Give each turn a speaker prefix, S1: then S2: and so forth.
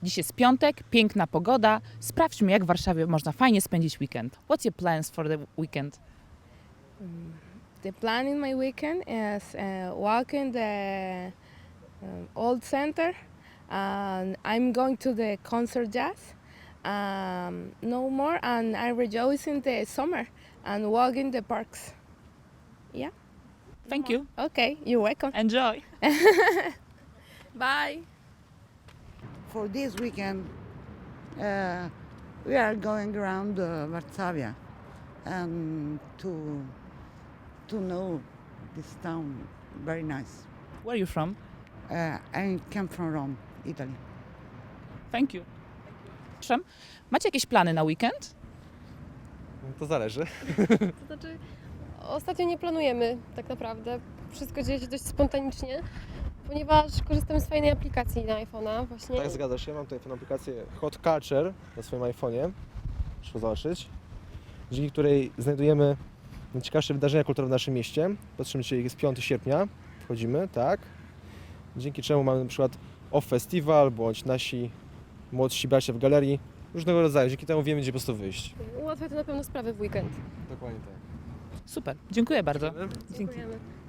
S1: Dziś jest piątek, piękna pogoda. Sprawdźmy, jak w Warszawie można fajnie spędzić weekend. What's your plans for the weekend?
S2: The plan in my weekend is walking the old center, and I'm going to the concert jazz. No more, and I rejoice in the summer and walk in the parks. Yeah.
S1: Thank you.
S2: Okay, you're welcome.
S1: Enjoy.
S2: Bye.
S3: For this weekend, we are going around Varsavia and to know this town very nice.
S1: Where are you from?
S3: I come from Rome, Italy.
S1: Thank you. Przepraszam, macie jakieś plany na weekend?
S4: To zależy.
S5: To znaczy, ostatnio nie planujemy tak naprawdę. Wszystko dzieje się dość spontanicznie, ponieważ korzystamy z fajnej aplikacji na iPhone'a właśnie.
S4: Tak, zgadza się. Mam tutaj tę aplikację Hot Culture na swoim iPhone'ie. Proszę zobaczyć. Dzięki której znajdujemy najciekawsze wydarzenia kulturowe w naszym mieście. Patrzymy, dzisiaj jest 5 sierpnia. Wchodzimy, tak. Dzięki czemu mamy na przykład Off Festival, bądź nasi młodsi bracia w galerii. Różnego rodzaju. Dzięki temu wiemy, gdzie po prostu wyjść.
S5: Ułatwia to na pewno sprawę w weekend.
S4: Dokładnie tak.
S1: Super, dziękuję bardzo.
S4: Dziękujemy.
S1: Dzięki.
S5: Dziękujemy.